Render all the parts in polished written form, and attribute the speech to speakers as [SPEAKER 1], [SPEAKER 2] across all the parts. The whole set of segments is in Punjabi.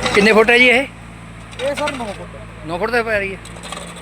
[SPEAKER 1] कितने फुट है जी ये?
[SPEAKER 2] ये सर 9 फुट
[SPEAKER 1] 9 फुट तक पै रही है।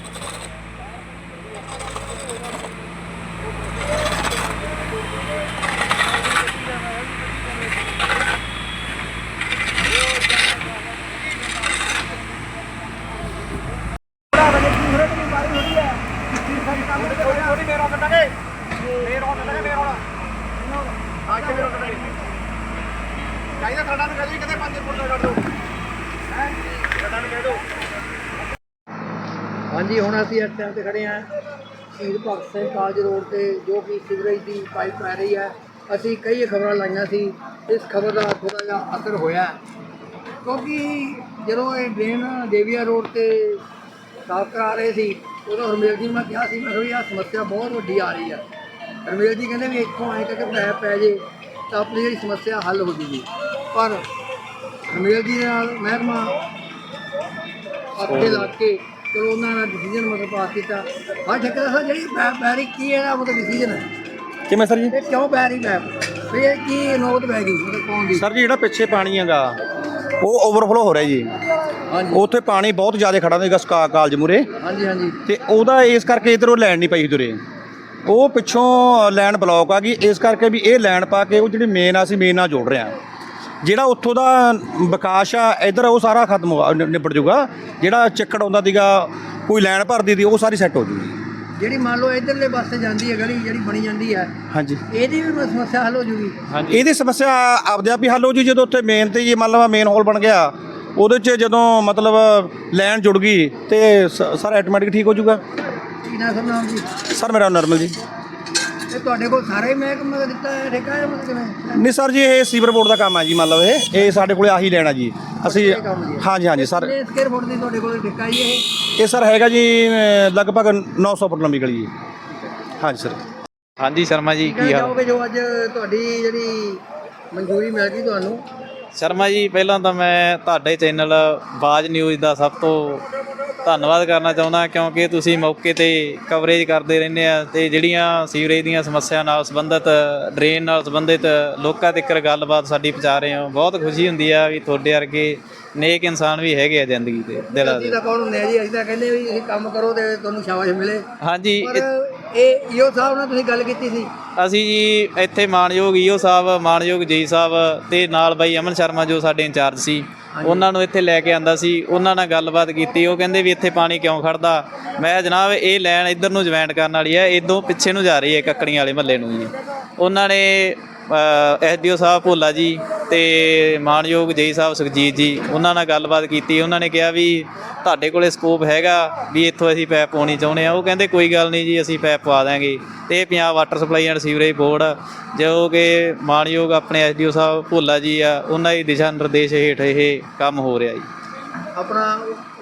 [SPEAKER 1] हाँ जी, हुण असीं इस टाइम ते खड़े हैं शहीद भगत सिंह कालज रोड ते जो कि सीवरेज की पाइप पै रही है। असीं कई खबरां लाइयां सी, इस खबर का थोड़ा जिहा असर होया क्योंकि जदों ये ड्रेन देविया रोड ते साफ करा रहे सी उदों हरमेल जी मैं कहा सी, मैं कहा भी आह समस्या बहुत वड्डी आ रही है। हरमेल जी कहते भी इत्थों आए करके पैप पै जे तो अपनी जी समस्या हल हो जाएगी, पर हरमेल जी नाल महकमा अपने लग के चलो उन्होंने डिसीजन मतलब पास किया। हाँ ठेकेदार साहब जी पैप पै रही की है मतलब डिसीजन है
[SPEAKER 3] कि मैं सर जी
[SPEAKER 1] ये क्यों पै रही पैप भी ये की नौबत पै गई मतलब कौन दी?
[SPEAKER 3] सर जी ਜਿਹੜਾ ਪਿੱਛੇ ਪਾਣੀ ਹੈਗਾ ਉਹ ਓਵਰਫਲੋ ਹੋ ਰਿਹਾ ਜੀ।
[SPEAKER 1] हाँ जी
[SPEAKER 3] ਉੱਥੇ ਪਾਣੀ ਬਹੁਤ ਜ਼ਿਆਦਾ ਖੜਾ ਸੀਗਾ ਕਾਲਜ ਮੂਰੇ
[SPEAKER 1] हाँ जी हाँ जी
[SPEAKER 3] ਤੇ ਉਹਦਾ ਇਸ ਕਰਕੇ ਇੱਧਰ ਉਹ ਲੈਣ ਨਹੀਂ ਪਈ ਤੁਰੇ, ਉਹ ਪਿੱਛੋਂ ਲੈਣ ਬਲੌਕ ਆ ਗਈ। ਇਸ ਕਰਕੇ ਵੀ ਇਹ ਲੈਣ ਪਾ ਕੇ ਉਹ ਜਿਹੜੀ ਮੇਨ ਆ ਅਸੀਂ ਮੇਨ ਨਾਲ ਜੋੜ ਰਹੇ ਹਾਂ। ਜਿਹੜਾ ਉੱਥੋਂ ਦਾ ਵਿਕਾਸ ਆ ਇੱਧਰ ਉਹ ਸਾਰਾ ਖਤਮ ਹੋ ਨਿਬੜ ਜੂਗਾ। ਜਿਹੜਾ ਚੱਕੜ ਆਉਂਦਾ ਸੀਗਾ ਕੋਈ ਲੈਣ ਭਰਦੀ ਦੀ ਉਹ ਸਾਰੀ ਸੈੱਟ ਹੋ ਜੂਗੀ।
[SPEAKER 1] ਜਿਹੜੀ ਮੰਨ ਲਓ ਇਧਰਲੇ ਪਾਸੇ ਜਾਂਦੀ ਹੈ ਗਲੀ ਜਿਹੜੀ ਬਣੀ ਜਾਂਦੀ ਹੈ
[SPEAKER 3] ਹਾਂਜੀ
[SPEAKER 1] ਇਹਦੀ ਵੀ ਸਮੱਸਿਆ ਹੱਲ ਹੋ ਜੂਗੀ।
[SPEAKER 3] ਇਹਦੀ ਸਮੱਸਿਆ ਆਪਦੇ ਆਪ ਹੀ ਹੱਲ ਹੋ ਜੂ ਜਦੋਂ ਉੱਥੇ ਮੇਨ ਤੇ ਜੀ ਮੰਨ ਲਓ ਮੇਨ ਹੋਲ ਬਣ ਗਿਆ ਉਹਦੇ 'ਚ ਜਦੋਂ ਮਤਲਬ ਲਾਈਨ ਜੁੜ ਗਈ ਤੇ ਸਾਰਾ ਆਟੋਮੈਟਿਕ ਠੀਕ ਹੋ ਜੂਗਾ।
[SPEAKER 1] ਕੀ ਨਾਮ ਸਰ ਨਾਮ ਜੀ?
[SPEAKER 3] ਸਰ ਮੇਰਾ ਨਰਮਲ ਜੀ।
[SPEAKER 1] ਇਹ ਤੁਹਾਡੇ ਕੋਲ ਸਾਰੇ ਮਹਿਕਮੇ ਦਾ ਦਿੱਤਾ ਹੈ ਠੇਕਾ ਹੈ ਮਤਲਬ ਕਿਵੇਂ?
[SPEAKER 3] ਨਹੀਂ ਸਰ ਜੀ ਇਹ ਸੀਵਰ ਬੋਰਡ ਦਾ ਕੰਮ ਹੈ ਜੀ। ਮੰਨ ਲਓ ਇਹ ਸਾਡੇ ਕੋਲ ਆਹੀ ਲੈਣਾ ਜੀ ਅਸੀਂ। ਹਾਂਜੀ ਹਾਂਜੀ ਸਰ
[SPEAKER 1] ਕਿੰਨੇ ਸਕੁਅਰ ਫੁੱਟ ਦੀ ਤੁਹਾਡੇ ਕੋਲ ਠੇਕਾ ਜੀ
[SPEAKER 3] ਇਹ ਸਰ ਹੈਗਾ ਜੀ ਲਗਭਗ 900 ਫੁੱਟ ਲੰਬੀ ਗਲੀ ਜੀ। ਹਾਂਜੀ ਸਰ।
[SPEAKER 4] ਹਾਂਜੀ ਸ਼ਰਮਾ ਜੀ ਕੀ ਹਾਲ?
[SPEAKER 1] ਚਾਹੋਗੇ ਜੋ ਅੱਜ ਤੁਹਾਡੀ ਜਿਹੜੀ ਮਨਜ਼ੂਰੀ ਮਿਲ ਗਈ ਤੁਹਾਨੂੰ?
[SPEAKER 4] ਸ਼ਰਮਾ ਜੀ ਪਹਿਲਾਂ ਤਾਂ ਮੈਂ ਤੁਹਾਡੇ ਚੈਨਲ ਬਾਜ ਨਿਊਜ਼ ਦਾ ਸਭ ਤੋਂ ਧੰਨਵਾਦ ਕਰਨਾ ਚਾਹੁੰਦਾ ਕਿਉਂਕਿ ਤੁਸੀਂ ਮੌਕੇ ਤੇ ਕਵਰੇਜ ਕਰਦੇ ਰਹਿੰਦੇ ਆ ਤੇ ਜਿਹੜੀਆਂ ਸੀਵਰੇਜ ਦੀਆਂ ਸਮੱਸਿਆ ਨਾਲ ਸੰਬੰਧਿਤ ਡਰੇਨ ਨਾਲ ਸੰਬੰਧਿਤ ਲੋਕਾਂ ਤੱਕ ਗੱਲਬਾਤ ਸਾਡੀ ਪਹੁੰਚਾ ਰਹੇ ਹੋ। ਬਹੁਤ ਖੁਸ਼ੀ ਹੁੰਦੀ ਆ ਵੀ ਤੁਹਾਡੇ ਵਰਗੇ ਨੇਕ ਇਨਸਾਨ ਵੀ ਹੈਗੇ ਆ ਜ਼ਿੰਦਗੀ ਦੇ ਦਿਲਾਂ ਦੇ।
[SPEAKER 1] ਤਾਂ ਕੌਣ ਹੁੰਦੇ ਆ ਜੀ, ਅਸੀਂ ਤਾਂ ਕਹਿੰਦੇ ਵੀ ਤੁਸੀਂ ਕੰਮ ਕਰੋ ਤੇ ਤੁਹਾਨੂੰ ਸ਼ਾਬਾਸ਼ ਮਿਲੇ।
[SPEAKER 4] ਹਾਂਜੀ
[SPEAKER 1] ਪਰ ਇਹ ਈਓ ਸਾਹਿਬ ਨਾਲ ਤੁਸੀਂ ਗੱਲ ਕੀਤੀ ਸੀ?
[SPEAKER 4] ਅਸੀਂ ਜੀ ਇੱਥੇ ਮਾਣਯੋਗ ਈਓ ਸਾਹਿਬ, ਮਾਣਯੋਗ ਜੀ ਸਾਹਿਬ ਤੇ ਨਾਲ ਬਾਈ ਅਮਨ ਸ਼ਰਮਾ ਜੋ ਸਾਡੇ ਇੰਚਾਰਜ ਸੀ ਉਹਨਾਂ ਨੂੰ ਇੱਥੇ ਲੈ ਕੇ ਆਂਦਾ ਸੀ। ਉਹਨਾਂ ਨਾਲ ਗੱਲਬਾਤ ਕੀਤੀ। ਉਹ ਕਹਿੰਦੇ ਵੀ ਇੱਥੇ ਪਾਣੀ ਕਿਉਂ ਖੜਦਾ। ਮੈਂ ਜਨਾਬ ਇਹ ਲਾਈਨ ਇੱਧਰ ਨੂੰ ਜੁਆਇੰਟ ਕਰਨ ਵਾਲੀ ਹੈ, ਇੱਧਰੋਂ ਪਿੱਛੇ ਨੂੰ ਜਾ ਰਹੀ ਹੈ ਕੱਕੜੀਆਂ ਵਾਲੇ ਮਹੱਲੇ ਨੂੰ ਜੀ। ਉਹਨਾਂ ਨੇ ਐਸਡੀਓ ਸਾਹਿਬ ਭੋਲਾ ਜੀ ਤੇ ਮਾਣਯੋਗ ਜੀ ਸਾਹਿਬ ਸੁਖਜੀਤ ਜੀ ਉਹਨਾਂ ਨਾਲ ਗੱਲਬਾਤ ਕੀਤੀ। ਉਹਨਾਂ ਨੇ ਕਿਹਾ ਵੀ ਤੁਹਾਡੇ ਕੋਲੇ ਸਕੋਪ ਹੈਗਾ ਵੀ ਇੱਥੋਂ ਅਸੀਂ ਪੈਪ ਪਾਉਣੀ ਚਾਹੁੰਦੇ ਹਾਂ। ਉਹ ਕਹਿੰਦੇ ਕੋਈ ਗੱਲ ਨਹੀਂ ਜੀ ਅਸੀਂ ਪੈਪ ਪਵਾ ਦਾਂਗੇ। ਅਤੇ Punjab water supply and sewerage board ਜੋ ਕਿ ਮਾਣਯੋਗ ਆਪਣੇ ਐਸਡੀਓ ਸਾਹਿਬ ਭੋਲਾ ਜੀ ਆ ਉਹਨਾਂ ਦੀ ਦਿਸ਼ਾ ਨਿਰਦੇਸ਼ ਹੇਠ ਇਹ ਕੰਮ ਹੋ ਰਿਹਾ ਜੀ।
[SPEAKER 1] ਆਪਣਾ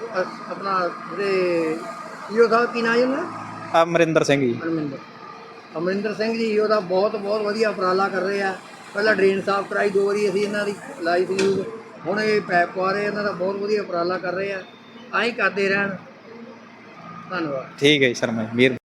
[SPEAKER 1] ਜਿਹੜੇ ਈਓ ਸਾਹਿਬ ਕੀ ਨਾਂ ਜੀ ਉਹਨਾਂ ਦਾ?
[SPEAKER 4] ਅਮਰਿੰਦਰ ਸਿੰਘ ਜੀ।
[SPEAKER 1] ਅਮਰਿੰਦਰ ਸਿੰਘ ਜੀ ਉਹਦਾ ਬਹੁਤ ਵਧੀਆ ਉਪਰਾਲਾ ਕਰ ਰਹੇ ਆ। ਪਹਿਲਾਂ ਡਰੇਨ ਸਾਫ਼ ਕਰਾਈ 2 ਵਾਰੀ ਅਸੀਂ ਇਹਨਾਂ ਦੀ ਲਾਈ ਸੀ, ਹੁਣ ਇਹ ਪੈਪ ਪਵਾ ਰਹੇ। ਇਹਨਾਂ ਦਾ ਬਹੁਤ ਵਧੀਆ ਉਪਰਾਲਾ ਕਰ ਰਹੇ ਆ। ਆਹੀਂ ਕਰਦੇ ਰਹਿਣ। ਧੰਨਵਾਦ।
[SPEAKER 4] ਠੀਕ ਹੈ ਜੀ ਸ਼ਰਮਾ ਜੀ, ਮਿਹਰਬਾਨੀ।